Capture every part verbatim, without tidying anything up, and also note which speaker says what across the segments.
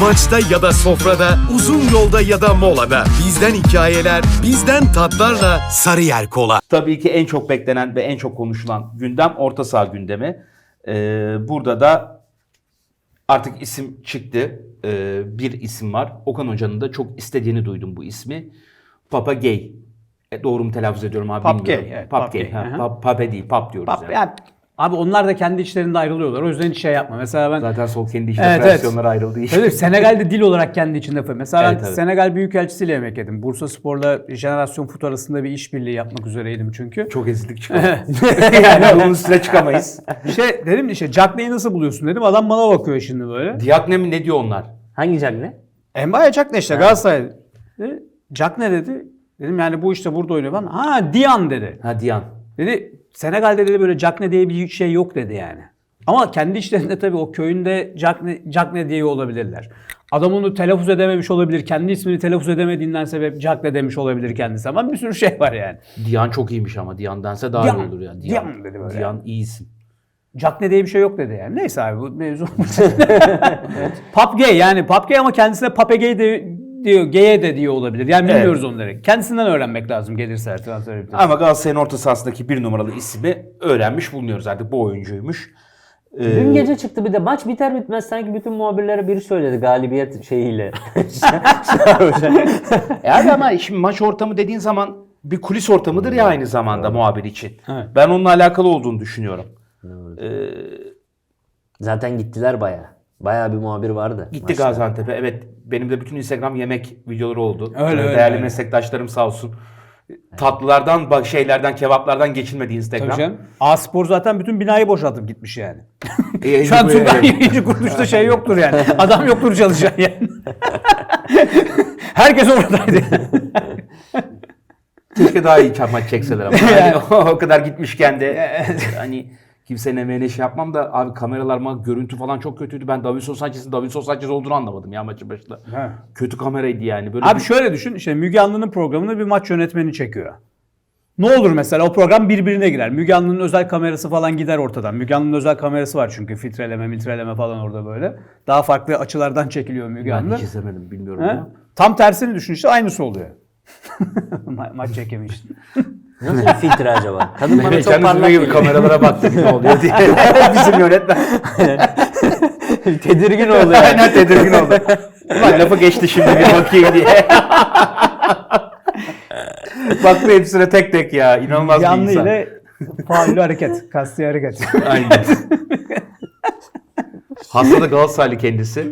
Speaker 1: Maçta ya da sofrada, uzun yolda ya da molada. Bizden hikayeler, bizden tatlarla Sarıyer Kola.
Speaker 2: Tabii ki en çok beklenen ve en çok konuşulan gündem orta saha gündemi. Ee, burada da artık isim çıktı. Ee, bir isim var. Okan Hoca'nın da çok istediğini duydum bu ismi. Papa Gay. E, doğru mu telaffuz ediyorum abi
Speaker 3: Pap
Speaker 2: bilmiyorum.
Speaker 3: Gay, evet,
Speaker 2: Pap
Speaker 3: Pap
Speaker 2: Gay.
Speaker 3: Gay,
Speaker 2: Ha,
Speaker 3: hı hı.
Speaker 2: Pap, Pape değil, Pap diyoruz
Speaker 3: Pap,
Speaker 2: yani.
Speaker 3: yani, abi onlar da kendi içlerinde ayrılıyorlar. O yüzden hiç şey yapma. Mesela ben
Speaker 2: Zaten sol kendi içinde
Speaker 3: Evet,
Speaker 2: versiyonlara
Speaker 3: evet.
Speaker 2: ayrıldığı için.
Speaker 3: Öyle, Senegal'de dil olarak kendi içinde yapıyor. Mesela
Speaker 2: Evet,
Speaker 3: ben
Speaker 2: evet.
Speaker 3: Senegal Büyükelçisiyle yemek yedim. Bursa Spor'la Jenerasyon Fut arasında bir işbirliği yapmak üzereydim çünkü.
Speaker 2: Çok ezildik çıkalım. Yani onun üstüne çıkamayız.
Speaker 3: İşte dedim işte Cagney'i nasıl buluyorsun dedim. Adam bana bakıyor şimdi böyle.
Speaker 2: Diakne mi ne diyor onlar?
Speaker 4: Hangi Cagney?
Speaker 3: Embaya Cagney işte Galatasaray. Dedi, Cagney dedi. Dedim yani bu işte burada oynuyor. Ben, ha Dian dedi.
Speaker 2: Ha Diyan.
Speaker 3: Dedi Senegal'de dedi böyle Cagney diye bir şey yok dedi yani. Ama kendi işlerinde tabii o köyünde Cagney, Cagney diye olabilirler. Adam onu telaffuz edememiş olabilir. Kendi ismini telaffuz edemediğinden sebep Cagney demiş olabilir kendisi. Ama bir sürü şey var yani.
Speaker 2: Diyan çok iyiymiş ama Diyan dense daha
Speaker 3: Diyan,
Speaker 2: iyi olur yani.
Speaker 3: Diyan dedi böyle.
Speaker 2: Diyan iyi isim.
Speaker 3: Cagney diye bir şey yok dedi yani. Neyse abi bu mevzu. Pap gay yani Pap gay ama kendisine Pape gay de, diyor. Gay'e de diyor olabilir. Yani bilmiyoruz
Speaker 2: Evet.
Speaker 3: onları. Kendisinden öğrenmek lazım gelirse transfer biter.
Speaker 2: Ama Galatasaray'ın orta sahasındaki bir numaralı ismi öğrenmiş bulunuyoruz artık. Bu oyuncuymuş. Ee,
Speaker 4: Dün gece çıktı bir de maç biter bitmez sanki bütün muhabirlere biri söyledi galibiyet şeyiyle.
Speaker 2: E abi ama şimdi maç ortamı dediğin zaman bir kulis ortamıdır ya aynı zamanda muhabir için.
Speaker 3: Evet.
Speaker 2: Ben onunla alakalı olduğunu düşünüyorum. Ee,
Speaker 4: Zaten gittiler baya. Baya bir muhabir vardı.
Speaker 2: gitti
Speaker 4: maçta.
Speaker 2: Gaziantep'e. Evet benim de bütün Instagram yemek videoları oldu.
Speaker 3: Öyle,
Speaker 2: Ee,
Speaker 3: öyle,
Speaker 2: Değerli
Speaker 3: öyle.
Speaker 2: meslektaşlarım sağ olsun. Tatlılardan, bak şeylerden, kebaplardan geçilmedi Instagram.
Speaker 3: Tabii canım. A-Spor zaten bütün binayı boşaltıp gitmiş yani.
Speaker 2: E,
Speaker 3: Şu an
Speaker 2: böyle-
Speaker 3: Tugay yayıncı kuruluşta şey yoktur yani. Adam yoktur çalışan yani. Herkes oradaydı.
Speaker 2: Keşke daha iyi maç çekseler ama. Yani o kadar gitmişken de hani kimsenin emeğine şey yapmam da abi kameralar, görüntü falan çok kötüydü. Ben Davinson Sanchez'in Davinson Sanchez olduğunu anlamadım ya maçın başında.
Speaker 3: He.
Speaker 2: Kötü kameraydı yani. Böyle
Speaker 3: Abi
Speaker 2: bir-
Speaker 3: şöyle düşün. İşte Müge Anlı'nın programını bir maç yönetmeni çekiyor. Ne olur mesela o program birbirine girer. Müge Anlı'nın özel kamerası falan gider ortadan. Müge Anlı'nın özel kamerası var çünkü filtreleme, miltreleme falan orada böyle. Daha farklı açılardan çekiliyor Müge
Speaker 2: ben
Speaker 3: Anlı.
Speaker 2: hiç izlemedim bilmiyorum
Speaker 3: He?
Speaker 2: ama.
Speaker 3: Tam tersini düşün işte aynısı oluyor. Ma- maç çekemiştin.
Speaker 4: Nasıl bir filtre acaba? Kadın bana
Speaker 2: Mehmet
Speaker 4: çok
Speaker 2: Can
Speaker 4: parlak
Speaker 2: Üzüm'e gibi
Speaker 4: geliyor.
Speaker 2: kameralara baktık ne oluyor diye. Bizim yönetmen.
Speaker 4: Tedirgin oldu yani.
Speaker 2: Aynen tedirgin oldu. Ulan lafı geçti şimdi bir bakayım diye. Baktı hepsine tek tek ya. İnanılmaz
Speaker 3: Müge
Speaker 2: bir
Speaker 3: Anlı
Speaker 2: insan.
Speaker 3: ile faullü hareket, kasti hareket.
Speaker 2: Aynen. Hasta da Galatasaraylı kendisi.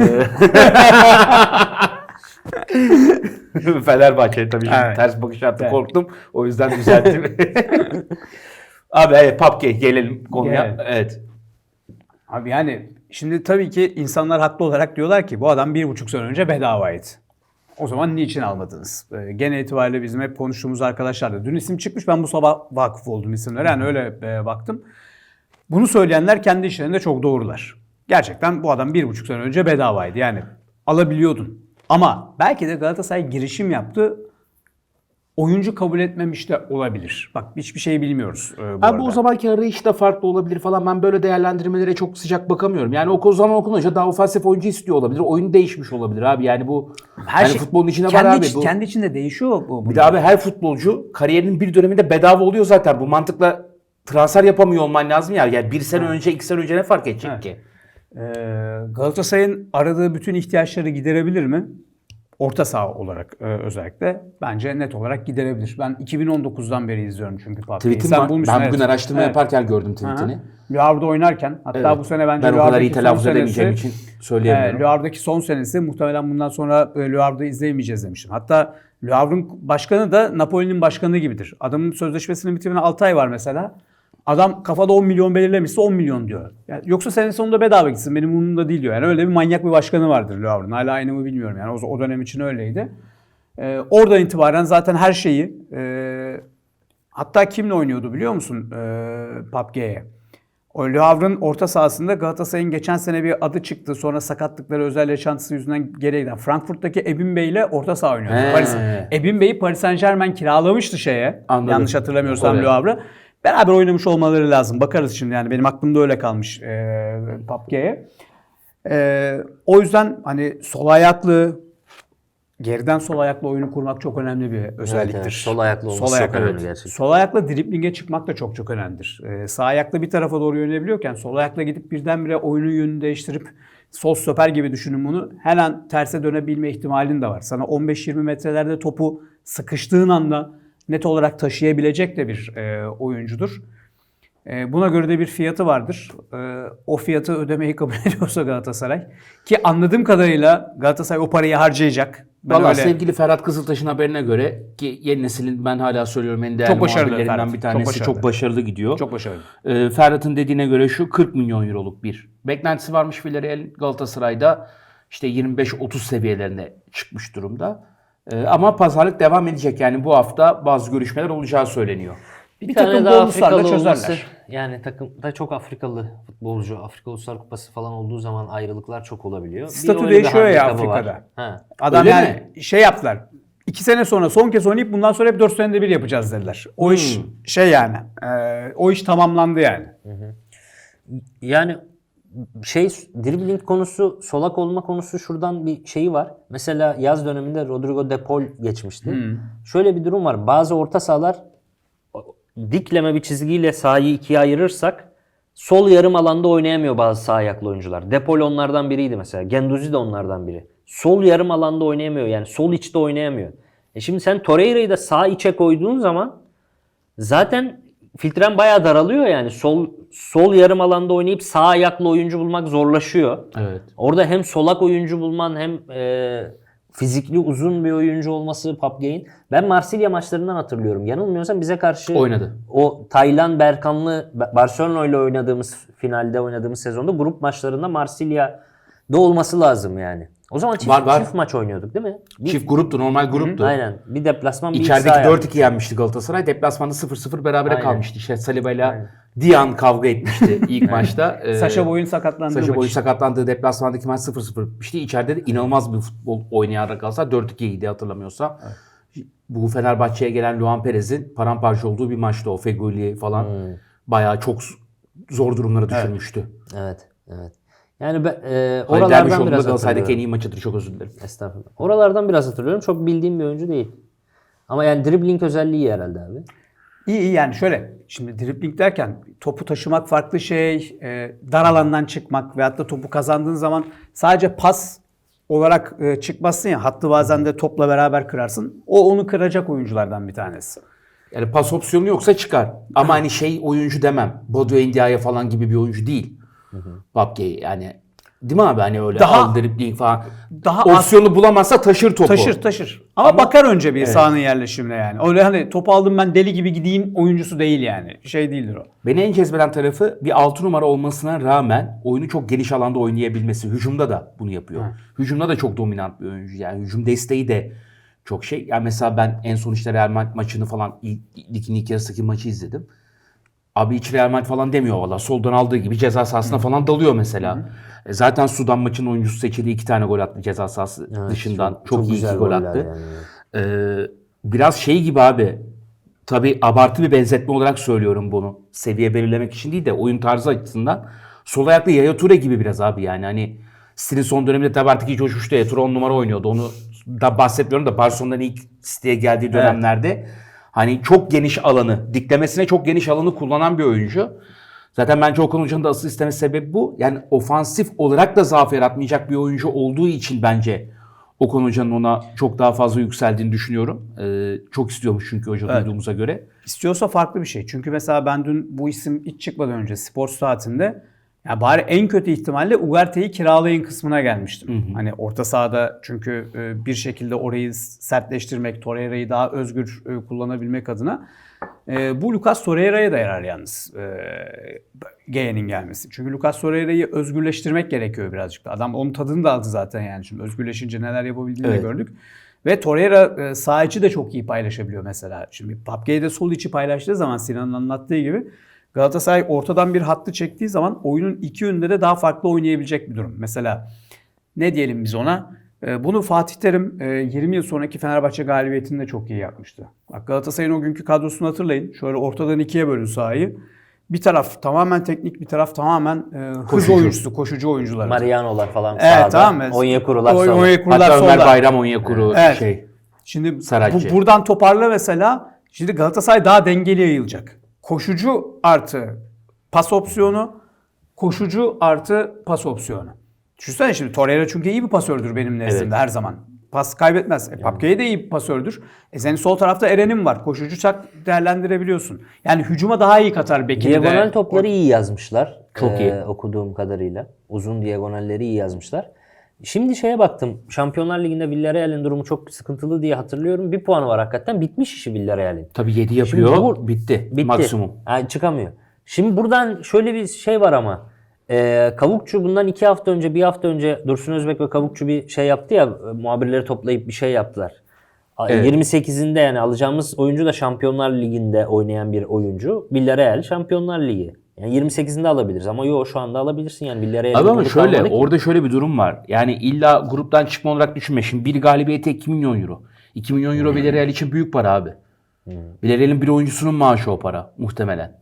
Speaker 2: Ee, Fenerbahçe tabii şimdi
Speaker 3: Evet.
Speaker 2: ters bakış attı
Speaker 3: Evet.
Speaker 2: korktum. O yüzden düzelttim. Abi evet Papke gelelim konuya.
Speaker 3: Gelelim.
Speaker 2: Evet.
Speaker 3: Abi yani şimdi tabii ki insanlar haklı olarak diyorlar ki bu adam bir buçuk sene önce bedavaydı. O zaman niçin almadınız? Ee, gene itibariyle bizim hep konuştuğumuz arkadaşlar da. Dün isim çıkmış ben bu sabah vakıf oldum isimlere. Yani öyle e, baktım. Bunu söyleyenler kendi işlerinde çok doğrular. Gerçekten bu adam bir buçuk sene önce bedavaydı. Yani alabiliyordun. Ama belki de Galatasaray girişim yaptı. Oyuncu kabul etmemiş de olabilir. Bak hiçbir şey bilmiyoruz e, bu
Speaker 2: Abi
Speaker 3: arada.
Speaker 2: o zamanki arayış da farklı olabilir falan. Ben böyle değerlendirmelere çok sıcak bakamıyorum. Yani o zaman Okan Hoca daha ofansif oyuncu istiyor olabilir. Oyun değişmiş olabilir abi. Yani bu
Speaker 3: Her
Speaker 2: yani
Speaker 3: şey
Speaker 2: futbolun içinde
Speaker 3: kendi
Speaker 2: var abi.
Speaker 3: iç-
Speaker 2: Bu,
Speaker 3: kendi içinde değişiyor bu.
Speaker 2: bir de abi her futbolcu kariyerinin bir döneminde bedava oluyor zaten. Bu mantıkla transfer yapamıyor olman lazım ya. Yani bir sene önce, iki sene önce ne fark edecek
Speaker 3: Evet.
Speaker 2: ki?
Speaker 3: Ee, Galatasaray'ın aradığı bütün ihtiyaçları giderebilir mi? Orta saha olarak e, özellikle bence net olarak giderebilir. Ben iki bin on dokuzdan beri izliyorum çünkü Papke'yi.
Speaker 2: Tweet'im var.
Speaker 3: bulmuşsun,
Speaker 2: Ben bugün
Speaker 3: evet.
Speaker 2: araştırma
Speaker 3: Evet.
Speaker 2: yaparken gördüm tweetini.
Speaker 3: Le Havre'da oynarken hatta
Speaker 2: Evet.
Speaker 3: bu sene bence
Speaker 2: Ben o
Speaker 3: Le
Speaker 2: kadar iyi
Speaker 3: Havre'daki son
Speaker 2: telaffuz edemeyeceğim
Speaker 3: senesi-
Speaker 2: için söyleyemiyorum.
Speaker 3: E, Le Havre'daki son senesi muhtemelen bundan sonra e, Le Havre'da izleyemeyeceğiz demiştim. Hatta Le Havre'ın başkanı da Napoli'nin başkanı gibidir. Adamın sözleşmesinin bitimine altı ay var mesela. Adam kafada on milyon belirlemişse on milyon diyor. Yani yoksa sene sonunda bedava gitsin benim umurumda değil diyor. Yani öyle bir manyak bir başkanı vardır Le Havre'ın. Hala aynı mı bilmiyorum yani o, o dönem için öyleydi. Ee, oradan itibaren zaten her şeyi e, hatta kimle oynuyordu biliyor musun ee, Papke'ye? O Le Havre'ın orta sahasında Galatasaray'ın geçen sene bir adı çıktı. Sonra sakatlıkları özel yaşantısı yüzünden geriye giden. Frankfurt'taki Ebin Bey ile orta saha oynuyordu.
Speaker 2: He.
Speaker 3: Paris, Ebin Bey'i Paris Saint-Germain kiralamıştı şeye.
Speaker 2: Anladım.
Speaker 3: Yanlış hatırlamıyorsam
Speaker 2: Oraya.
Speaker 3: Le Havre. Beraber oynamış olmaları lazım. Bakarız şimdi yani benim aklımda öyle kalmış e, Papke'ye. Ee, o yüzden hani sol ayaklı, geriden sol ayaklı oyunu kurmak çok önemli bir özelliktir.
Speaker 4: evet. Sol ayaklı olması
Speaker 3: Sol
Speaker 4: çok
Speaker 3: ayaklı,
Speaker 4: önemli
Speaker 3: evet.
Speaker 4: gerçekten.
Speaker 3: Sol ayakla driblinge çıkmak da çok çok önemlidir. Ee, sağ ayakla bir tarafa doğru yönelebiliyorken sol ayakla gidip birdenbire oyunun yönünü değiştirip sol stoper gibi düşünün bunu. Her an terse dönebilme ihtimalin de var. Sana on beş yirmi metrelerde topu sıkıştığın anda net olarak taşıyabilecek de bir e, oyuncudur. E, buna göre de bir fiyatı vardır. E, o fiyatı ödemeyi kabul ediyorsa Galatasaray, ki anladığım kadarıyla Galatasaray o parayı harcayacak. Ben
Speaker 2: Valla
Speaker 3: öyle-
Speaker 2: sevgili Ferhat Kızıltaş'ın haberine göre, ki yeni neslin ben hala söylüyorum en değerli
Speaker 3: Çok başarılı
Speaker 2: muhabirlerinden
Speaker 3: Ferhat.
Speaker 2: bir tanesi,
Speaker 3: Çok
Speaker 2: çok
Speaker 3: başarılı.
Speaker 2: başarılı, gidiyor.
Speaker 3: Çok başarılı.
Speaker 2: Ee, Ferhat'ın dediğine göre şu kırk milyon euroluk bir beklentisi varmış Villarreal. Galatasaray'da işte yirmi beş otuz seviyelerine çıkmış durumda. Ee, ama pazarlık devam edecek, yani bu hafta bazı görüşmeler olacağı söyleniyor.
Speaker 4: Bir,
Speaker 3: Bir
Speaker 4: tane
Speaker 3: takım
Speaker 4: daha
Speaker 3: bonuslarla
Speaker 4: Afrikalı olması,
Speaker 3: çözerler.
Speaker 4: yani takımda çok Afrikalı futbolcu, Afrika Uluslar Kupası falan olduğu zaman ayrılıklar çok olabiliyor. Bir
Speaker 3: Statü
Speaker 4: öyle bir
Speaker 3: değişiyor ya
Speaker 4: handikapı var.
Speaker 3: Afrika'da.
Speaker 4: Ha.
Speaker 3: Adam
Speaker 2: Öyle
Speaker 3: yani
Speaker 2: mi?
Speaker 3: şey yaptılar. İki sene sonra son kez oynayıp bundan sonra hep dört senede bir yapacağız dediler. O iş şey yani. e, o iş tamamlandı yani.
Speaker 4: Yani şey, dribbling konusu, solak olma konusu, şuradan bir şeyi var. Mesela yaz döneminde Rodrigo De Paul geçmişti. Şöyle bir durum var. Bazı orta sahalar dikleme bir çizgiyle sahayı ikiye ayırırsak sol yarım alanda oynayamıyor bazı sağ ayaklı oyuncular. De Paul onlardan biriydi mesela. Genduzi de onlardan biri. Sol yarım alanda oynayamıyor. Yani sol içte oynayamıyor. E şimdi sen Torreira'yı da sağ içe koyduğun zaman zaten filtren bayağı daralıyor yani. Sol sol yarım alanda oynayıp sağ ayaklı oyuncu bulmak zorlaşıyor.
Speaker 2: Evet.
Speaker 4: Orada hem solak oyuncu bulman hem e, fizikli uzun bir oyuncu olması Papgey'in. Ben Marsilya maçlarından hatırlıyorum. Yanılmıyorsam bize karşı
Speaker 2: Oynadı.
Speaker 4: o Taylan Berkanlı Barcelona ile oynadığımız, finalde oynadığımız sezonda grup maçlarında Marsilya'da olması lazım yani. O zaman çift,
Speaker 2: Var, var.
Speaker 4: çift maç oynuyorduk değil mi? Bir,
Speaker 2: Çift gruptu, normal gruptu.
Speaker 4: Aynen. Bir deplasman, bir iç
Speaker 2: İçerideki
Speaker 4: saha
Speaker 2: dört
Speaker 4: yaptık.
Speaker 2: iki yenmişti Galatasaray. Deplasmanda sıfır sıfır berabere
Speaker 4: Aynen.
Speaker 2: kalmıştı. İşte Saliba ile
Speaker 4: Aynen.
Speaker 2: Dian kavga etmişti ilk maçta. Ee,
Speaker 3: Saşa Boy'un sakatlandığı
Speaker 2: Saşa
Speaker 3: maç.
Speaker 2: Boy'un sakatlandığı deplasmandaki maç sıfır sıfır bitmişti. İçeride de inanılmaz bir futbol oynayarak Galatasaray dört ikiydi hatırlamıyorsam. Bu Fenerbahçe'ye gelen Luan Perez'in paramparça olduğu bir maçtı o. Feguli falan
Speaker 4: Hmm.
Speaker 2: bayağı çok zor durumlara düşürmüştü.
Speaker 4: Evet, evet. Yani ben, e,
Speaker 2: Halil
Speaker 4: oralardan
Speaker 2: Dervişoğlu da
Speaker 4: biraz
Speaker 2: Galatasaray'daki en
Speaker 4: hatırlıyorum.
Speaker 2: iyi maçıdır. Çok özür dilerim.
Speaker 4: Estağfurullah. Oralardan biraz hatırlıyorum. Çok bildiğim bir oyuncu değil. Ama yani dribbling özelliği iyi herhalde abi.
Speaker 3: İyi iyi yani şöyle. Şimdi dribbling derken topu taşımak farklı şey. E, dar alandan çıkmak veyahut da topu kazandığın zaman sadece pas olarak e, çıkmazsın ya. Hattı bazen de topla beraber kırarsın. O onu kıracak oyunculardan bir tanesi.
Speaker 2: Yani pas opsiyonu yoksa çıkar. Ama hani şey oyuncu demem. Bodo Ndiaye falan gibi bir oyuncu değil. Babke yani. Değil mi abi, hani öyle
Speaker 3: Daha-
Speaker 2: al dribbling falan.
Speaker 3: daha az-
Speaker 2: Opsiyonu bulamazsa taşır topu.
Speaker 3: Taşır taşır. Ama, bakar önce bir sahanın yerleşimine yani. Öyle hani topu aldım ben deli gibi gideyim oyuncusu değil yani. Şey değildir o.
Speaker 2: Beni en cezbeden tarafı bir altı numara olmasına rağmen oyunu çok geniş alanda oynayabilmesi. Hücumda da bunu yapıyor. Hücumda da çok dominant bir oyuncu. Yani hücum desteği de çok şey. Yani mesela ben en son işte Real Madrid maçını falan ilk, ligin ilk yarısındaki maçı izledim. Abi hiç Real Madrid falan demiyor valla. Soldan aldığı gibi ceza sahasına falan dalıyor mesela. E zaten Sudan maçının oyuncusu seçildi. iki tane gol attı ceza sahası
Speaker 4: Evet,
Speaker 2: dışından.
Speaker 4: çok-
Speaker 2: Çok,
Speaker 4: çok
Speaker 2: iyi
Speaker 4: güzel
Speaker 2: iki gol
Speaker 4: goller
Speaker 2: attı.
Speaker 4: yani.
Speaker 2: Ee, biraz şey gibi abi. Tabii abartı bir benzetme olarak söylüyorum bunu. Seviye belirlemek için değil de oyun tarzı açısından. Sol ayaklı Yaya Toure gibi biraz abi yani. Hani City'nin son döneminde tabii artık hiç coşmuştu. Yaya Toure on numara oynuyordu. Onu da bahsetmiyorum da Barcelona'dan ilk City'ye geldiği dönemlerde hani çok geniş alanı, diklemesine çok geniş alanı kullanan bir oyuncu. Zaten bence Okan Hoca'nın da asıl istemesi sebebi bu. Yani ofansif olarak da zaaf yaratmayacak bir oyuncu olduğu için bence Okan Hoca'nın ona çok daha fazla yükseldiğini düşünüyorum. Ee, çok istiyormuş çünkü hoca
Speaker 3: Evet.
Speaker 2: duyduğumuza göre.
Speaker 3: İstiyorsa farklı bir şey. Çünkü mesela ben dün bu isim hiç çıkmadan önce spor saatinde ya bari en kötü ihtimalle Ugarte'yi kiralayın kısmına gelmiştim. Hani orta sahada çünkü e, bir şekilde orayı sertleştirmek, Torreira'yı daha özgür e, kullanabilmek adına. E, bu Lucas Torreira'ya da yarar yalnız e, Geye'nin gelmesi. Çünkü Lucas Torreira'yı özgürleştirmek gerekiyor birazcık da. Adam onun tadını da aldı zaten yani. Şimdi özgürleşince neler yapabildiğini
Speaker 2: Evet.
Speaker 3: de gördük. Ve Torreira e, sağ içi de çok iyi paylaşabiliyor mesela. Şimdi Papge'de sol içi paylaştığı zaman Sinan'ın anlattığı gibi Galatasaray ortadan bir hattı çektiği zaman oyunun iki yönünde de daha farklı oynayabilecek bir durum. Mesela ne diyelim biz ona? E, bunu Fatih Terim e, yirmi yıl sonraki Fenerbahçe galibiyetinde çok iyi yapmıştı. Bak Galatasaray'ın o günkü kadrosunu hatırlayın. Şöyle ortadan ikiye bölün sahayı. Bir taraf tamamen teknik, bir taraf tamamen e, hız
Speaker 2: Koşucu.
Speaker 3: oyuncusu, koşucu oyuncular.
Speaker 4: Mariano'lar falan
Speaker 3: Evet,
Speaker 4: sağda.
Speaker 3: tamam mı?
Speaker 4: Onyekuru'lar
Speaker 3: Oy-
Speaker 4: solda.
Speaker 3: Onyekuru'lar
Speaker 2: Hatta Ömer
Speaker 3: solda.
Speaker 2: Bayram Onyekuru
Speaker 3: Evet.
Speaker 2: şey.
Speaker 3: Şimdi
Speaker 2: Saracchi.
Speaker 3: bu, buradan toparla mesela. Şimdi Galatasaray daha dengeli yayılacak. Koşucu artı pas opsiyonu, koşucu artı pas opsiyonu. Düşünsene şimdi Torreira çünkü iyi bir pasördür benim nezdimde
Speaker 2: Evet.
Speaker 3: her zaman. Pas kaybetmez. E, Papke'ye de iyi bir pasördür. E senin sol tarafta Eren'in var. Koşucu çak değerlendirebiliyorsun. Yani hücuma daha iyi katar Bekir'i de.
Speaker 4: Diagonal topları iyi yazmışlar.
Speaker 2: Çok
Speaker 4: Ee,
Speaker 2: iyi.
Speaker 4: Okuduğum kadarıyla. Uzun diagonalleri iyi yazmışlar. Şimdi şeye baktım. Şampiyonlar Ligi'nde Villarreal'in durumu çok sıkıntılı diye hatırlıyorum. Bir puanı var hakikaten. Bitmiş işi Villarreal'in.
Speaker 2: Tabii yedi yapıyor.
Speaker 4: Şimdi bu-
Speaker 2: bitti.
Speaker 4: Bitti.
Speaker 2: Maksimum.
Speaker 4: Ha, çıkamıyor. Şimdi buradan şöyle bir şey var ama. Ee, Kavukçu bundan iki hafta önce, bir hafta önce Dursun Özbek ve Kavukçu bir şey yaptı ya. Muhabirleri toplayıp bir şey yaptılar. A-
Speaker 2: Evet.
Speaker 4: yirmi sekizinde yani alacağımız oyuncu da Şampiyonlar Ligi'nde oynayan bir oyuncu. Villarreal Şampiyonlar Ligi. Yani yirmi sekizinde alabiliriz ama yok şu anda alabilirsin yani Villarreal'in
Speaker 2: Abi ama
Speaker 4: grubu
Speaker 2: şöyle
Speaker 4: kalmadı ki.
Speaker 2: orada şöyle bir durum var. Yani illa gruptan çıkma olarak düşünme. Şimdi bir galibiyete iki milyon euro. iki milyon euro Villarreal için büyük para abi. Villarreal'in bir oyuncusunun maaşı o para muhtemelen.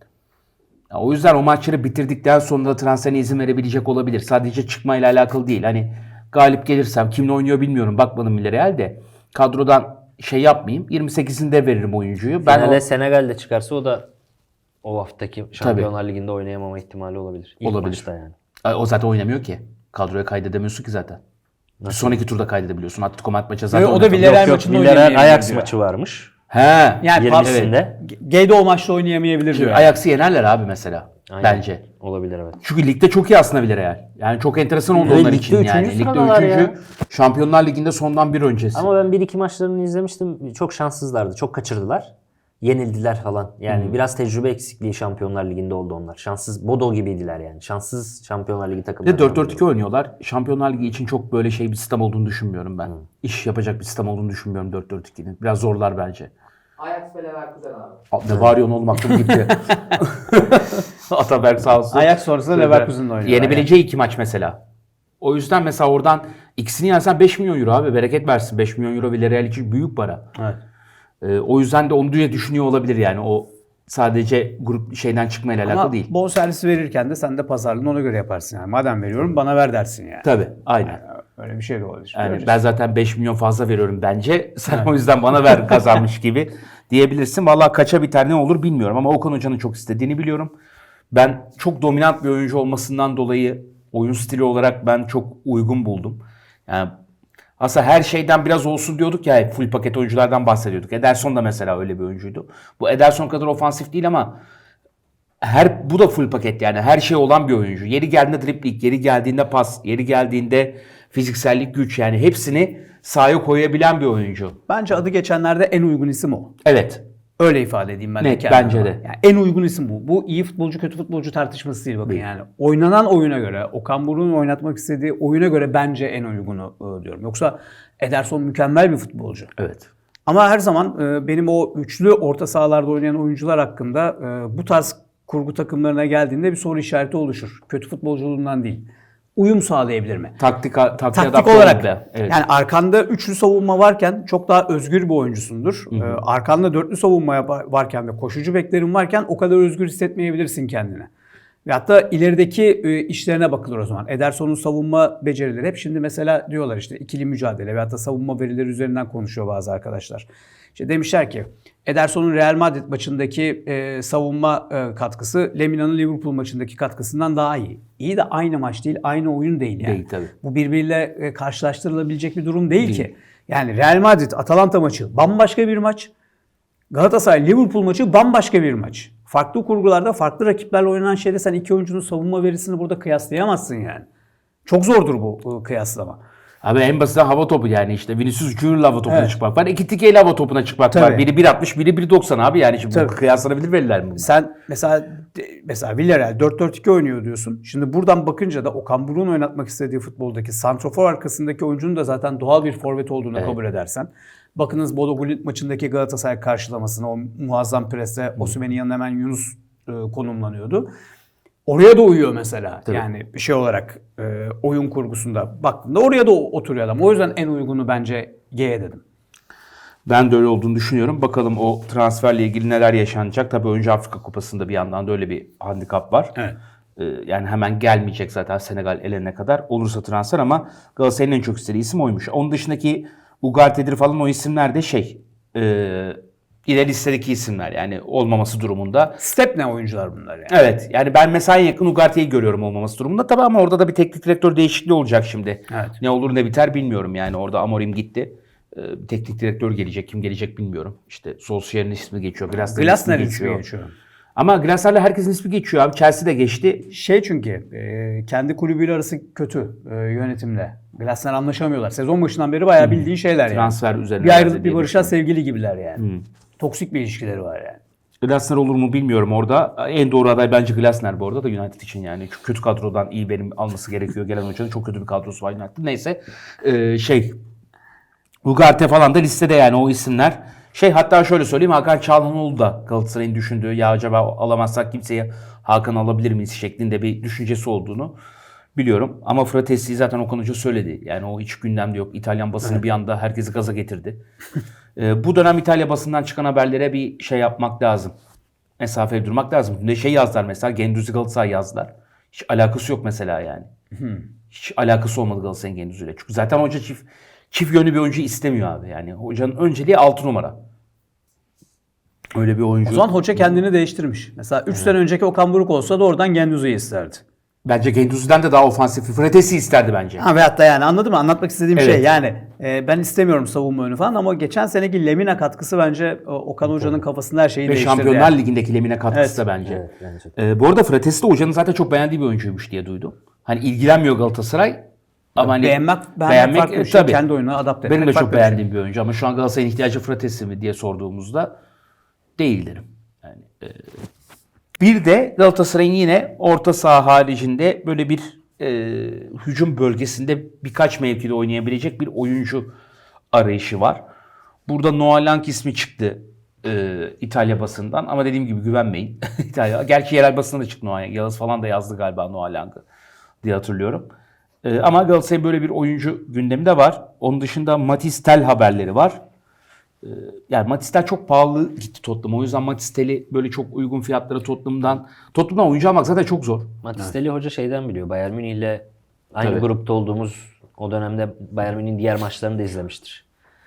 Speaker 2: Ya o yüzden o maçları bitirdikten sonra da transferine izin verebilecek olabilir. Sadece çıkmayla alakalı değil. Hani galip gelirsem kimle oynuyor bilmiyorum. Bakmadım Villarreal de. Kadrodan şey yapmayayım. yirmi sekizinde veririm oyuncuyu. Ben
Speaker 4: Finale
Speaker 2: o-
Speaker 4: Senegal'de çıkarsa o da o haftaki Şampiyonlar Ligi'nde oynayamama ihtimali olabilir. İlk
Speaker 2: Olabilir.
Speaker 4: maçta yani.
Speaker 2: Ay, o zaten oynamıyor ki. Kadroya kaydedemiyorsun ki zaten. Bir sonraki turda kaydedebiliyorsun. Atletico Madrid maçı zaten
Speaker 3: Ve o da
Speaker 2: oynatamıyor.
Speaker 3: Villarreal
Speaker 4: Yok yok
Speaker 3: maçında
Speaker 4: Villarreal
Speaker 3: oynayamayabilir
Speaker 4: Ajax
Speaker 3: diyor.
Speaker 4: maçı varmış.
Speaker 2: He.
Speaker 3: Yani
Speaker 4: yirmisinde.
Speaker 3: Geydo o maçta oynayamayabilir diyor.
Speaker 2: Ajax'ı yenerler abi mesela.
Speaker 4: Aynen.
Speaker 2: Bence.
Speaker 4: Olabilir evet.
Speaker 2: Çünkü ligde çok iyi aslında Villarreal. Yani çok enteresan oldu
Speaker 4: Ve
Speaker 2: onlar
Speaker 4: ligde
Speaker 2: için
Speaker 4: üçüncü
Speaker 2: yani. Ligde
Speaker 4: sıradalar
Speaker 2: üçüncü.
Speaker 4: ya.
Speaker 2: Şampiyonlar Ligi'nde sondan bir öncesi.
Speaker 4: Ama ben bir iki maçlarını izlemiştim. Çok şanssızlardı. Çok kaçırdılar. Yenildiler falan. Yani biraz tecrübe eksikliği Şampiyonlar Ligi'nde oldu onlar. Şanssız Bodo gibiydiler yani. Şanssız Şampiyonlar Ligi
Speaker 2: Bir
Speaker 4: takımları.
Speaker 2: de dört dört iki oynuyorlar. Şampiyonlar Ligi için çok böyle şey bir sistem olduğunu düşünmüyorum ben. İş yapacak bir sistem olduğunu düşünmüyorum dört dört ikinin. Biraz zorlar bence.
Speaker 5: Ajax ve Leverkusen abi.
Speaker 2: Ne bağırıyorsun oğlum aklım gitti. Ataberk sağ olsun.
Speaker 3: Ajax sonrası Leverkusen'le oynuyor.
Speaker 2: Yenebileceği iki maç mesela. O yüzden mesela oradan ikisini yensen beş milyon euro abi. Bereket versin. beş milyon euro Villarreal için büyük para.
Speaker 3: Evet.
Speaker 2: Ee, o yüzden de onu diye düşünüyor olabilir yani. O sadece grup şeyden çıkmayla alakalı
Speaker 3: Ama
Speaker 2: değil.
Speaker 3: bonservisi verirken de sen de pazarlığını ona göre yaparsın yani. Madem veriyorum bana ver dersin yani.
Speaker 2: Tabii. Aynen.
Speaker 3: Öyle bir şey de olabilir.
Speaker 2: Yani
Speaker 3: Göreceğiz.
Speaker 2: ben zaten beş milyon fazla veriyorum bence. Sen o yüzden bana ver kazanmış gibi diyebilirsin. Vallahi kaça biter ne olur bilmiyorum ama Okan Hoca'nın çok istediğini biliyorum. Ben çok dominant bir oyuncu olmasından dolayı oyun stili olarak ben çok uygun buldum. Yani aslında her şeyden biraz olsun diyorduk ya, full paket oyunculardan bahsediyorduk. Ederson da mesela öyle bir oyuncuydu. Bu Ederson kadar ofansif değil ama her bu da full paket yani her şey olan bir oyuncu. Yeri geldiğinde dribling, yeri geldiğinde pas, yeri geldiğinde fiziksellik, güç yani hepsini sahaya koyabilen bir oyuncu.
Speaker 3: Bence adı geçenlerde en uygun isim o.
Speaker 2: Evet.
Speaker 3: Öyle ifade edeyim ben de
Speaker 2: Net,
Speaker 3: kendime.
Speaker 2: bence de.
Speaker 3: Yani en uygun isim bu. Bu iyi futbolcu kötü futbolcu tartışması değil bakın
Speaker 2: Değil.
Speaker 3: yani. Oynanan oyuna göre, Okan Buruk'un oynatmak istediği oyuna göre bence en uygunu e, diyorum. Yoksa Ederson mükemmel bir futbolcu.
Speaker 2: Evet.
Speaker 3: Ama her zaman e, benim o üçlü orta sahalarda oynayan oyuncular hakkında e, bu tarz kurgu takımlarına geldiğinde bir soru işareti oluşur. Kötü futbolculuğundan değil. Uyum sağlayabilir mi?
Speaker 2: Taktik, taktik,
Speaker 3: Taktik
Speaker 2: adapte
Speaker 3: olarak
Speaker 2: oldu. Evet.
Speaker 3: yani arkanda üçlü savunma varken çok daha özgür bir oyuncusundur. Ee, arkanda dörtlü savunma yap- varken ve koşucu beklerin varken o kadar özgür hissetmeyebilirsin kendini. Ve hatta ilerideki e, işlerine bakılır o zaman. Ederson'un savunma becerileri hep şimdi mesela diyorlar işte ikili mücadele ve hatta savunma verileri üzerinden konuşuyor bazı arkadaşlar. İşte demişler ki Ederson'un Real Madrid maçındaki e, savunma e, katkısı Lemina'nın Liverpool maçındaki katkısından daha iyi. İyi de aynı maç değil, aynı oyun değil yani.
Speaker 2: Değil tabii.
Speaker 3: Bu birbiriyle e, karşılaştırılabilecek bir durum değil, ki. Yani Real Madrid Atalanta maçı bambaşka bir maç. Galatasaray Liverpool maçı bambaşka bir maç. Farklı kurgularda, farklı rakiplerle oynanan şeyde sen iki oyuncunun savunma verisini burada kıyaslayamazsın yani. Çok zordur bu, bu kıyaslama.
Speaker 2: Abi en basit hava topu yani işte Vinicius Junior'la hava topuna
Speaker 3: Evet.
Speaker 2: çıkmak var. İki tikeyle hava topuna çıkmak var.
Speaker 3: Tabii.
Speaker 2: Biri bir altmış, biri bir doksan abi yani şimdi
Speaker 3: Tabii.
Speaker 2: bu kıyaslanabilir veriler mi bunlar?
Speaker 3: Sen mesela mesela Villarreal dört dört iki oynuyor diyorsun. Şimdi buradan bakınca da Okan Buruk'un oynatmak istediği futboldaki santrofor arkasındaki oyuncunun da zaten doğal bir forvet olduğunu
Speaker 2: Evet.
Speaker 3: kabul edersen. Bakınız Bodo Glimt maçındaki Galatasaray karşılamasına, o muazzam preste Osimhen'in yanına hemen Yunus e, konumlanıyordu. Oraya da uyuyor mesela.
Speaker 2: Tabii.
Speaker 3: Yani şey olarak e, oyun kurgusunda baktığında oraya da oturuyor adam. O yüzden en uygunu bence G'ye dedim.
Speaker 2: Ben de öyle olduğunu düşünüyorum. Bakalım o transferle ilgili neler yaşanacak. Tabii önce Afrika Kupası'nda bir yandan da öyle bir handikap var.
Speaker 3: Evet.
Speaker 2: Ee, yani hemen gelmeyecek zaten Senegal elene kadar. Olursa transfer ama Galatasaray'ın en çok istediği isim oymuş. Onun dışındaki Ugarte'dir falan o isimler de şey... E, ileri listedeki isimler yani olmaması durumunda.
Speaker 3: Step ne oyuncular bunlar yani?
Speaker 2: Evet yani ben mesela en yakın Ugarte'yi görüyorum olmaması durumunda. Tabii ama orada da bir teknik direktör değişikliği olacak şimdi.
Speaker 3: Evet.
Speaker 2: Ne olur ne biter bilmiyorum yani orada Amorim gitti. Ee, bir teknik direktör gelecek. Kim gelecek bilmiyorum. İşte Solskjaer'in ismi geçiyor. Glasner'in
Speaker 3: Glasner
Speaker 2: ismi
Speaker 3: ismi
Speaker 2: geçiyor.
Speaker 3: geçiyor.
Speaker 2: Ama Glasner'le herkesin ismi geçiyor abi. Chelsea de geçti.
Speaker 3: Şey çünkü e, kendi kulübüyle arası kötü e, yönetimle. Glasner anlaşamıyorlar. Sezon başından beri bayağı bildiğin şeyler yani.
Speaker 2: Transfer üzerine.
Speaker 3: Bir ayrılıp bir
Speaker 2: diye
Speaker 3: barışa
Speaker 2: düşünüyorum.
Speaker 3: sevgili gibiler yani. Toksik bir ilişkileri var yani.
Speaker 2: Glasner olur mu bilmiyorum orada. En doğru aday bence Glasner bu arada da United için yani. Çok kötü kadrodan iyi verim alması gerekiyor. Gelen hocanın çok kötü bir kadrosu var United. Neyse ee, şey Ugarte falan da listede yani o isimler. Şey hatta şöyle söyleyeyim Hakan Çalhanoğlu da Galatasaray'ın düşündüğü ya acaba alamazsak kimseye Hakan alabilir miyiz şeklinde bir düşüncesi olduğunu biliyorum. Ama Fratesi'yi zaten Okan Hoca söyledi. Yani o hiç gündemde yok. İtalyan basını evet. bir anda herkesi gaza getirdi. ee, bu dönem İtalya basından çıkan haberlere bir şey yapmak lazım. Mesafeli durmak lazım. Ne şey yazdılar mesela Gendüzi Galatasaray yazdılar. Hiç alakası yok mesela yani. Hiç alakası olmadı Galatasaray'ın Gendüzi'yle. Çünkü zaten hoca çift Çift yönlü bir oyuncu istemiyor abi. Yani hocanın önceliği altı numara. Öyle bir oyuncu.
Speaker 3: O zaman hoca kendini değiştirmiş. Mesela üç evet. sene önceki Okan Buruk olsa da oradan Gendüzi'yi isterdi.
Speaker 2: Bence Gendüzi'den de daha ofansif. Fratesi isterdi bence.
Speaker 3: Ha, veyahut da yani anladın mı? Anlatmak istediğim
Speaker 2: evet.
Speaker 3: şey yani e, ben istemiyorum savunma önü falan ama geçen seneki Lemina katkısı bence Okan Hoca'nın kafasında her şeyi
Speaker 2: Ve
Speaker 3: değiştirdi.
Speaker 2: Şampiyonlar
Speaker 3: yani.
Speaker 2: Ligi'ndeki Lemina katkısı
Speaker 3: evet.
Speaker 2: da bence.
Speaker 4: Evet, bence.
Speaker 2: Ee, bu arada Fratesi de hocanın zaten çok beğendiği bir oyuncuymuş diye duydum. Hani ilgilenmiyor Galatasaray. Ama hani
Speaker 3: beğenmek, beğenmek, beğenmek farklı bir şey. Tabii. Kendi oyununa adapte etmek.
Speaker 2: Benim de çok
Speaker 3: farklı
Speaker 2: beğendiğim
Speaker 3: bir,
Speaker 2: şey. bir oyuncu ama şu an Galatasaray'ın ihtiyacı Fratesi mi diye sorduğumuzda değil derim. Yani, e, bir de Galatasaray'ın yine orta saha haricinde böyle bir e, hücum bölgesinde birkaç mevkide oynayabilecek bir oyuncu arayışı var. Burada Noah Lang ismi çıktı e, İtalya basından ama dediğim gibi güvenmeyin. İtalya. Gerçi yerel basında da çıktı Noah Lang. Yağız falan da yazdı galiba Noah Lang'ı diye hatırlıyorum. E, ama Galatasaray'ın böyle bir oyuncu gündemi de var. Onun dışında Matisse Tel haberleri var. E, yani Matisse Tel çok pahalı gitti Tottenham'a. O yüzden Matisse Tel'i böyle çok uygun fiyatlara Tottenham'dan Tottenham'dan oyuncu almak zaten çok zor.
Speaker 4: Matisse Tel'i hoca şeyden biliyor. Bayern Münih'le aynı
Speaker 2: Tabii.
Speaker 4: grupta olduğumuz o dönemde Bayern Münih'in diğer maçlarını da izlemiştir.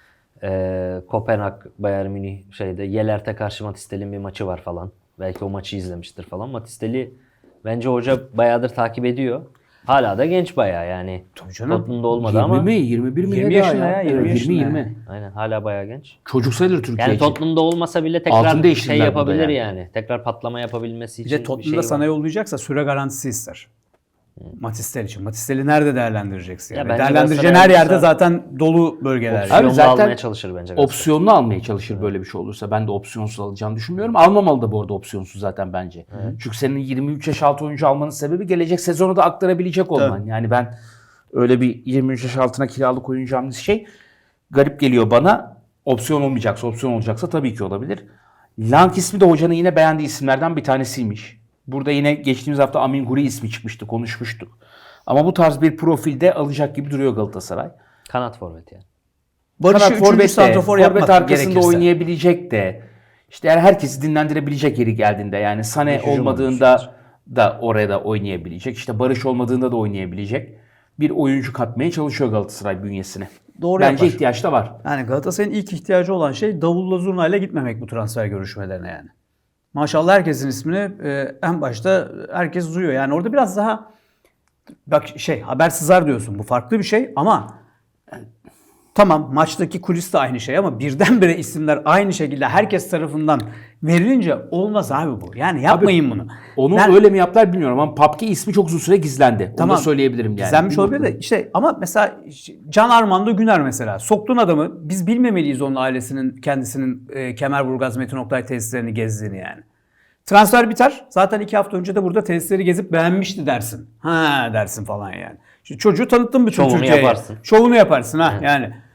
Speaker 4: Ee, Kopenhag, Bayern Münih şeyde Yelert'e karşı Matisse Tel'in bir maçı var falan. Belki o maçı izlemiştir falan. Matisse Tel'i bence hoca bayağıdır takip ediyor. Hala da genç bayağı yani. Tottenham'da olmadı ama.
Speaker 2: yirmi mi? yirmi bir mi?
Speaker 3: yirmi yaşında ya. yirmi yaşında.
Speaker 2: yirmi yirmi.
Speaker 4: Aynen hala bayağı genç.
Speaker 2: Çocuk sayılır Türkiye
Speaker 4: Yani
Speaker 2: için.
Speaker 4: Tottenham'da olmasa bile
Speaker 2: Altın
Speaker 4: tekrar şey
Speaker 2: değiştirdiler
Speaker 4: yapabilir
Speaker 2: burada
Speaker 4: yani.
Speaker 2: yani.
Speaker 4: Tekrar patlama yapabilmesi
Speaker 3: Bir
Speaker 4: için
Speaker 3: de
Speaker 4: bir
Speaker 3: Tottenham'da
Speaker 4: şey
Speaker 3: sana
Speaker 4: var.
Speaker 3: yollayacaksa süre garantisi ister. Matisse Tel için. Matisse Tel'i nerede değerlendireceksin? Yani?
Speaker 4: Ya bence
Speaker 3: Değerlendireceğin
Speaker 4: Galatasaray
Speaker 3: her yerde
Speaker 4: olursa-
Speaker 3: zaten dolu bölgeler.
Speaker 2: Abi
Speaker 4: Opsiyonlu
Speaker 2: zaten
Speaker 4: almaya çalışır bence. Galatasaray.
Speaker 2: Opsiyonlu almaya çalışır böyle bir şey olursa. Ben de opsiyonsuz alacağını düşünmüyorum. Almamalı da bu arada opsiyonsuz zaten bence. Evet. Çünkü senin yirmi üç yaş altı oyuncu almanın sebebi gelecek sezonu da aktarabilecek olman.
Speaker 3: Tabii.
Speaker 2: Yani ben öyle bir yirmi üç yaş altına kiralık oyuncu hamlesi şey garip geliyor bana. Opsiyon olmayacaksa, opsiyon olacaksa tabii ki olabilir. Lang ismi de hocanın yine beğendiği isimlerden bir tanesiymiş. Burada yine geçtiğimiz hafta Amin Guri ismi çıkmıştı, konuşmuştuk. Ama bu tarz bir profilde alacak gibi duruyor Galatasaray.
Speaker 4: Kanat forvet yani.
Speaker 3: Barış'ı üçüncü santrafor yapmak
Speaker 2: forvet arkasında
Speaker 3: gerekirse.
Speaker 2: oynayabilecek de. İşte yani herkesi dinlendirebilecek yeri geldiğinde yani Sané
Speaker 4: Hücum
Speaker 2: olmadığında da oraya da oynayabilecek. İşte Barış olmadığında da oynayabilecek bir oyuncu katmaya çalışıyor Galatasaray bünyesine.
Speaker 3: Doğru
Speaker 2: Bence
Speaker 3: yapar.
Speaker 2: ihtiyaç da var.
Speaker 3: Yani Galatasaray'ın ilk ihtiyacı olan şey davulla zurnayla gitmemek bu transfer görüşmelerine yani. Maşallah herkesin ismini e, en başta herkes duyuyor. Yani orada biraz daha bak şey haber sızar diyorsun. Bu farklı bir şey ama e, tamam maçtaki kulis de aynı şey ama birdenbire isimler aynı şekilde herkes tarafından verilince olmaz abi bu. Yani yapmayın bunu.
Speaker 2: Onu
Speaker 3: Ben-
Speaker 2: öyle mi yaptılar bilmiyorum ama Papke ismi çok uzun süre gizlendi. Onu da söyleyebilirim yani.
Speaker 3: Gizlenmiş olabilir de işte ama mesela Can Armando Güner mesela soktun adamı biz bilmemeliyiz onun ailesinin kendisinin e, Kemerburgaz Metin Oktay tesislerini gezdiğini yani. Transfer biter. Zaten iki hafta önce de burada tesisleri gezip beğenmişti dersin. Ha dersin falan yani. Şimdi çocuğu tanıttın bütün
Speaker 4: Şovunu
Speaker 3: Türkiye'ye.
Speaker 4: yaparsın.
Speaker 3: Şovunu yaparsın ha yani.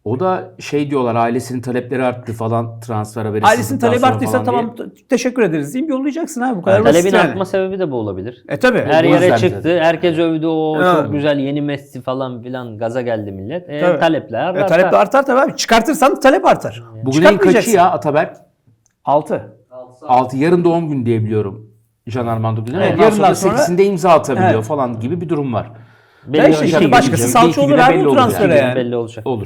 Speaker 2: O da şey diyorlar, ailesinin talepleri arttı falan, transfer haberi
Speaker 3: Ailesinin
Speaker 2: sızdıktan
Speaker 3: talebi
Speaker 2: sonra
Speaker 3: arttıysa
Speaker 2: falan
Speaker 3: tamam
Speaker 2: diye.
Speaker 3: t- teşekkür ederiz diyeyim, yollayacaksın abi. Bu kadar
Speaker 4: Yani
Speaker 3: basit
Speaker 4: talebin
Speaker 3: yani.
Speaker 4: artma sebebi de bu olabilir.
Speaker 3: E tabi.
Speaker 4: Her
Speaker 2: Bu
Speaker 4: yere
Speaker 2: yüzden
Speaker 4: çıktı.
Speaker 2: zaten.
Speaker 4: Herkes övdü. O
Speaker 3: Evet.
Speaker 4: çok güzel yeni Messi falan filan, gaza geldi millet. E,
Speaker 3: Tabii.
Speaker 4: talepler
Speaker 3: E,
Speaker 4: artar.
Speaker 3: talep de artar tabii abi. Çıkartırsan talep artar.
Speaker 2: Bugün en kaçı
Speaker 3: Çıkartmayacaksın.
Speaker 2: ya Ataberk?
Speaker 3: altı.
Speaker 2: altı. Yarın doğum günü diye biliyorum. Jean Armando Güler.
Speaker 3: Evet,
Speaker 2: Ondan
Speaker 3: yarından
Speaker 2: sonra
Speaker 3: sonra-
Speaker 2: sekizinde imza atabiliyor
Speaker 3: Evet.
Speaker 2: falan gibi bir durum var.
Speaker 4: Belli
Speaker 3: Ya işte
Speaker 4: olacak.
Speaker 3: şimdi
Speaker 4: İki
Speaker 3: başkası
Speaker 4: gün-
Speaker 3: salça
Speaker 2: iki
Speaker 3: olur
Speaker 2: güne
Speaker 3: abi
Speaker 2: belli
Speaker 3: bu
Speaker 2: olur
Speaker 3: transfere
Speaker 2: yani.
Speaker 3: yani.
Speaker 4: belli olacak.
Speaker 2: Olur.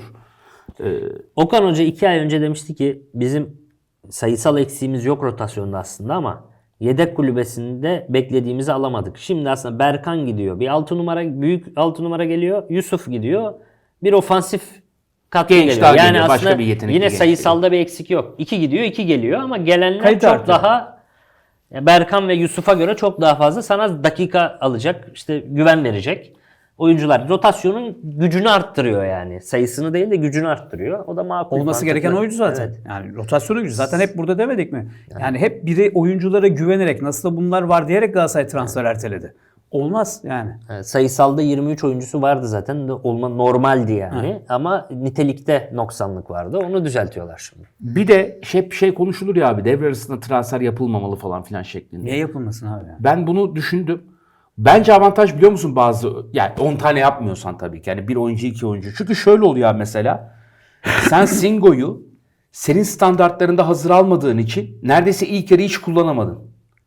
Speaker 4: Okan Hoca iki ay önce demişti ki bizim sayısal eksiğimiz yok rotasyonda aslında ama yedek kulübesinde beklediğimizi alamadık. Şimdi aslında Berkan gidiyor. Bir altı numara, büyük altı numara geliyor. Yusuf gidiyor. Bir ofansif katkı
Speaker 2: Genç
Speaker 4: geliyor.
Speaker 2: daha
Speaker 4: Yani
Speaker 2: geliyor, başka
Speaker 4: aslında
Speaker 2: bir yetenekli
Speaker 4: yine
Speaker 2: genç
Speaker 4: sayısalda bir eksik yok. iki gidiyor, iki geliyor ama gelenler
Speaker 3: Kalite
Speaker 4: çok
Speaker 3: artıyor.
Speaker 4: daha ya Berkan ve Yusuf'a göre çok daha fazla sana dakika alacak, işte güven verecek oyuncular. Rotasyonun gücünü arttırıyor yani. Sayısını değil de gücünü arttırıyor. O da makul.
Speaker 3: Olması
Speaker 4: mantıklı.
Speaker 3: gereken oyuncu zaten.
Speaker 4: Evet.
Speaker 3: Yani rotasyonu gücü. Zaten hep burada demedik mi? Yani hep biri oyunculara güvenerek, nasıl da bunlar var diyerek Galatasaray transfer erteledi. Olmaz yani.
Speaker 4: Evet, sayısalda yirmi üç oyuncusu vardı zaten. Olma normaldi yani. Ama nitelikte noksanlık vardı. Onu düzeltiyorlar şimdi.
Speaker 2: Bir de hep şey konuşulur ya abi, devre arasında transfer yapılmamalı falan filan şeklinde.
Speaker 3: Niye yapılmasın abi ya?
Speaker 2: Ben bunu düşündüm. Bence avantaj biliyor musun bazı, yani on tane yapmıyorsan tabii ki. Yani bir oyuncu iki oyuncu. Çünkü şöyle oluyor abi mesela. Sen Singo'yu senin standartlarında hazır almadığın için neredeyse ilk yarı hiç kullanamadın.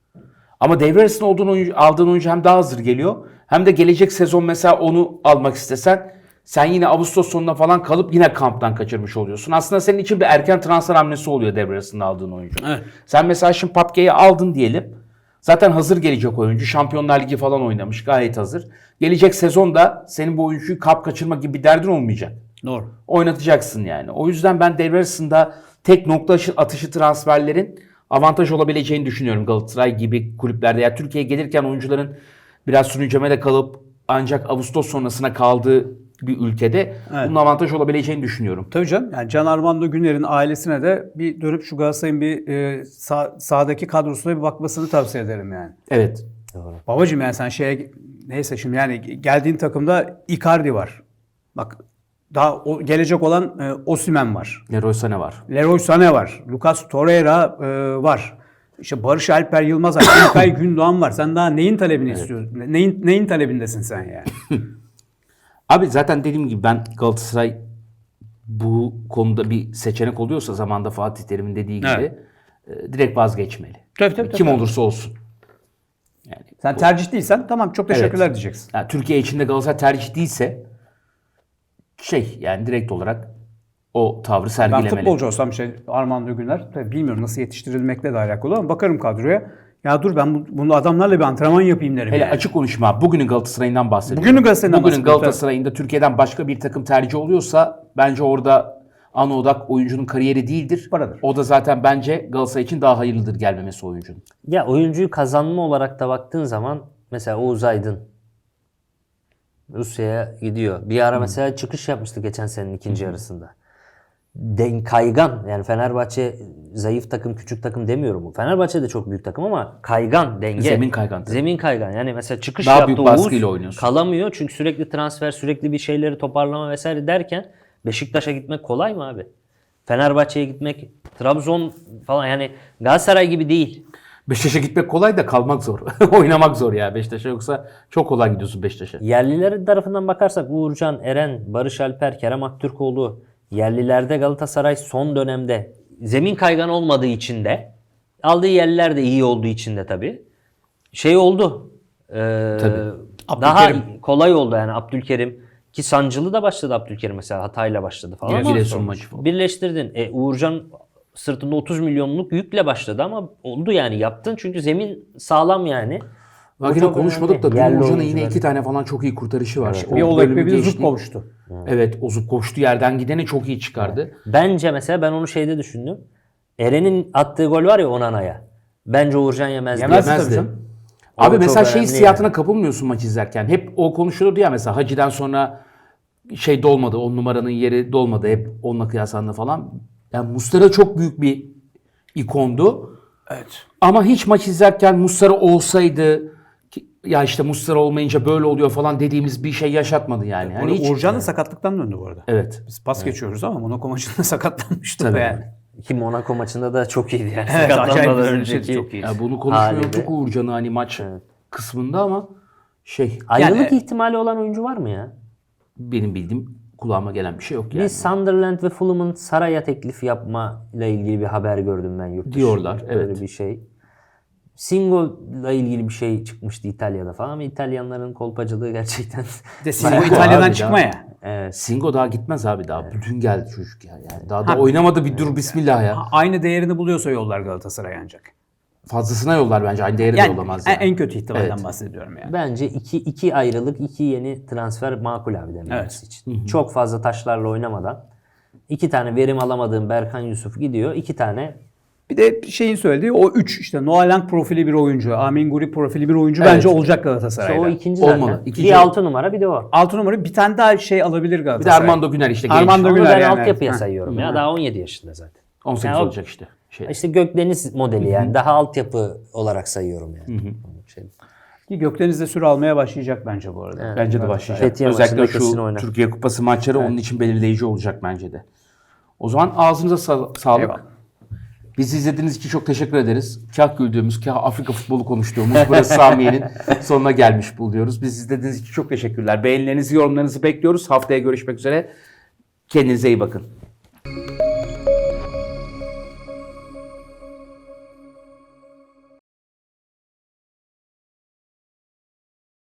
Speaker 2: Ama devre arasında olduğun oyuncu, aldığın oyuncu hem daha hazır geliyor hem de gelecek sezon mesela onu almak istesen sen yine Ağustos sonuna falan kalıp yine kamptan kaçırmış oluyorsun. Aslında senin için bir erken transfer hamlesi oluyor devre arasında aldığın oyuncu.
Speaker 3: Evet.
Speaker 2: Sen mesela şimdi Papke'yi aldın diyelim. Zaten hazır gelecek oyuncu. Şampiyonlar Ligi falan oynamış. Gayet hazır. Gelecek sezonda senin bu oyuncuyu kap kaçırma gibi bir derdin olmayacak.
Speaker 3: Doğru.
Speaker 2: Oynatacaksın yani. O yüzden ben devre arasında tek nokta aşı- atışı transferlerin avantaj olabileceğini düşünüyorum Galatasaray gibi kulüplerde. Yani Türkiye'ye gelirken oyuncuların biraz sürüncemede kalıp ancak Ağustos sonrasına kaldığı bir ülkede
Speaker 3: Evet.
Speaker 2: bunun avantaj olabileceğini düşünüyorum.
Speaker 3: Tabii canım. Yani Can Armando Güner'in ailesine de bir dönüp şu Galatasaray'ın bir e, sağ, sahadaki kadrosuna bir bakmasını tavsiye ederim yani.
Speaker 2: Evet.
Speaker 3: Babacım yani sen şeye neyse şimdi yani geldiğin takımda Icardi var. Bak daha o, gelecek olan e, Osimhen var.
Speaker 2: Leroy Sané var.
Speaker 3: Leroy Sané var. Lucas Torreira e, var. İşte Barış Alper Yılmaz var. İlkay Gündoğan var. Sen daha neyin talebini istiyorsun? Neyin neyin talebindesin sen yani?
Speaker 2: Abi zaten dediğim gibi ben Galatasaray bu konuda bir seçenek oluyorsa zamanda Fatih Terim'in dediği gibi
Speaker 3: Evet.
Speaker 2: e, direkt vazgeçmeli.
Speaker 3: Tabii, tabii,
Speaker 2: Kim
Speaker 3: tabii.
Speaker 2: olursa olsun. Yani,
Speaker 3: Sen tercih değilsen tamam çok teşekkürler
Speaker 2: Evet.
Speaker 3: diyeceksin.
Speaker 2: yani Türkiye içinde Galatasaray tercih değilse şey yani direkt olarak o tavrı
Speaker 3: Ben
Speaker 2: sergilemeli.
Speaker 3: futbolcu olsam şey Armando Güner tabii bilmiyorum nasıl yetiştirilmekle de alakalı ama bakarım kadroya. Ya dur ben bu, bunu adamlarla bir antrenman yapayım derim.
Speaker 2: Hele
Speaker 3: yani.
Speaker 2: açık konuşma. Bugünün Galatasaray'ından bahsediyorum.
Speaker 3: Bugünün Galatasaray'ından
Speaker 2: Bugünün
Speaker 3: bahsediyorum,
Speaker 2: Galatasaray'ında Türkiye'den başka bir takım tercih oluyorsa bence orada ana odak oyuncunun kariyeri değildir.
Speaker 3: Paradır.
Speaker 2: O da zaten bence Galatasaray için daha hayırlıdır gelmemesi oyuncunun.
Speaker 4: Ya oyuncuyu kazanma olarak da baktığın zaman mesela Oğuz Aydın Rusya'ya gidiyor. Bir ara mesela çıkış yapmıştı geçen senenin ikinci yarısında. Den kaygan yani Fenerbahçe zayıf takım, küçük takım demiyorum bu. Fenerbahçe de çok büyük takım ama kaygan, denge.
Speaker 2: Zemin kaygan tabii.
Speaker 4: Zemin kaygan. Yani mesela çıkış
Speaker 2: Daha
Speaker 4: yaptı
Speaker 2: büyük
Speaker 4: Oğuz,
Speaker 2: baskıyla oynuyorsun.
Speaker 4: kalamıyor çünkü sürekli transfer, sürekli bir şeyleri toparlama vesaire derken Beşiktaş'a gitmek kolay mı abi? Fenerbahçe'ye gitmek, Trabzon falan yani Galatasaray gibi değil.
Speaker 2: Beşiktaş'a gitmek kolay da kalmak zor. Oynamak zor ya Beşiktaş'a, yoksa çok kolay gidiyorsun Beşiktaş'a.
Speaker 4: Yerlilerin tarafından bakarsak Uğurcan, Eren, Barış Alper, Kerem Aktürkoğlu yerlilerde Galatasaray son dönemde zemin kaygan olmadığı için de aldığı yerliler de iyi olduğu için de tabii şey oldu. Ee,
Speaker 2: Tabii.
Speaker 4: Daha
Speaker 3: Abdülkerim.
Speaker 4: kolay oldu yani Abdülkerim ki sancılı da başladı Abdülkerim mesela hatayla başladı falan ama
Speaker 2: Giresun maçı falan.
Speaker 4: birleştirdin. E, Uğurcan sırtında otuz milyonluk yükle başladı ama oldu yani yaptın çünkü zemin sağlam yani.
Speaker 2: Bak
Speaker 4: O
Speaker 2: yine
Speaker 4: çok
Speaker 2: konuşmadık da
Speaker 4: önemli.
Speaker 2: dün
Speaker 4: Yerli
Speaker 2: Uğurcan'ın yine
Speaker 4: oyuncuları.
Speaker 2: iki tane falan çok iyi kurtarışı var. O
Speaker 3: Bir olay
Speaker 2: bölümü
Speaker 3: bir de
Speaker 2: geçti.
Speaker 3: Zup kavuştu.
Speaker 2: Evet, o Zup koştu yerden gideni çok iyi çıkardı.
Speaker 4: Bence mesela ben onu şeyde düşündüm. Eren'in attığı gol var ya Onana'ya. Bence Uğurcan yemezdi.
Speaker 3: Yemez tabii
Speaker 2: Yemezdi.
Speaker 3: canım.
Speaker 2: Abi
Speaker 4: O
Speaker 2: mesela
Speaker 4: çok
Speaker 2: şey
Speaker 4: önemli
Speaker 2: hissiyatına
Speaker 4: yani.
Speaker 2: kapılmıyorsun maç izlerken. Hep o konuşulurdu ya mesela Hacı'den sonra şey dolmadı. On numaranın yeri dolmadı. Hep onunla kıyaslandı falan. Yani Muslera çok büyük bir ikondu.
Speaker 3: Evet.
Speaker 2: Ama hiç maç izlerken Muslera olsaydı Ki- Ya işte Muslera olmayınca böyle oluyor falan dediğimiz bir şey yaşatmadı yani.
Speaker 3: Hani
Speaker 2: Hani hiç-
Speaker 3: Uğurcan da sakatlıktan döndü bu arada.
Speaker 2: Evet.
Speaker 3: Biz pas geçiyoruz ama Monaco maçında sakatlanmıştı
Speaker 2: Tabii.
Speaker 3: yani.
Speaker 4: Ki Monaco maçında da çok iyiydi yani.
Speaker 3: Evet,
Speaker 4: Sakatlanmadan
Speaker 3: acayip bir
Speaker 4: önceki.
Speaker 3: şey, çok iyi.
Speaker 2: Ya bunu konuşmuyorduk
Speaker 4: Haliyle.
Speaker 2: Uğurcan'ı hani maç kısmında ama şey
Speaker 4: Ayrılık
Speaker 3: Yani-
Speaker 4: ihtimali olan oyuncu var mı ya?
Speaker 2: benim bildiğim kulağıma gelen bir şey yok yani.
Speaker 4: Bir Sunderland ve Fulham'ın Saray'a teklif yapma ile ilgili bir haber gördüm ben yurt dışında.
Speaker 2: Diyorlar,
Speaker 4: Öyle
Speaker 2: evet.
Speaker 4: bir şey. Singo'la ilgili bir şey çıkmıştı İtalya'da falan ama İtalyanların kolpacılığı gerçekten
Speaker 3: Bir de Singo
Speaker 2: Bayağı
Speaker 3: İtalya'dan
Speaker 2: abi
Speaker 3: çıkma
Speaker 2: ya.
Speaker 3: ya.
Speaker 4: evet.
Speaker 2: Singo daha gitmez abi daha. Bütün geldi çocuk ya. Yani daha da
Speaker 3: Ha.
Speaker 2: oynamadı bir dur bismillah ya.
Speaker 3: Aynı değerini buluyorsa yollar Galatasaray ancak.
Speaker 2: Fazlasına yollar bence. Aynı değeri de
Speaker 3: Yani
Speaker 2: yollamaz
Speaker 3: en,
Speaker 2: yani.
Speaker 3: en kötü ihtimalden
Speaker 2: Evet.
Speaker 3: bahsediyorum yani.
Speaker 4: Bence iki, iki ayrılık, iki yeni transfer makul abi dememiz
Speaker 3: Evet.
Speaker 4: için. Çok fazla taşlarla oynamadan iki tane verim alamadığım Berkan Yusuf gidiyor. İki tane
Speaker 3: Bir de şeyin söylediği o üç işte Noah Lang profili bir oyuncu, Amin Guri profili bir oyuncu
Speaker 2: Evet.
Speaker 3: bence olacak
Speaker 4: işte
Speaker 3: Galatasaray'da.
Speaker 4: o ikinci zaten.
Speaker 2: Olmalı. İkinci
Speaker 4: bir
Speaker 2: o.
Speaker 4: altı numara bir de o.
Speaker 3: Altı numara bir tane daha şey alabilir
Speaker 2: Bir de
Speaker 3: Galatasaray.
Speaker 2: Armando Güner işte genç.
Speaker 3: Armando
Speaker 4: Onu
Speaker 3: Güler
Speaker 4: ben
Speaker 3: yani.
Speaker 4: altyapıya
Speaker 3: Ha.
Speaker 4: sayıyorum ya. Daha on yedi yaşında zaten.
Speaker 2: on sekiz
Speaker 4: Yani o-
Speaker 2: olacak işte. Şey.
Speaker 4: İşte Gökdeniz modeli yani. Daha altyapı olarak sayıyorum yani. Şey,
Speaker 3: Ki Gökdeniz de süre almaya başlayacak bence bu arada.
Speaker 2: Bence de başlayacak.
Speaker 4: Fethiye
Speaker 2: Özellikle
Speaker 4: maçında kesin
Speaker 2: şu
Speaker 4: oynar.
Speaker 2: Türkiye Kupası maçları onun için belirleyici olacak bence de. O zaman ağzınıza sa- sağlık.
Speaker 3: Eyvallah.
Speaker 2: Bizi izlediğiniz için çok teşekkür ederiz. Kah güldüğümüz, kah Afrika futbolu konuştuğumuz burası Samiye'nin sonuna gelmiş buluyoruz. Biz izlediğiniz için çok teşekkürler. Beğenilerinizi, yorumlarınızı bekliyoruz. Haftaya görüşmek üzere. Kendinize iyi bakın.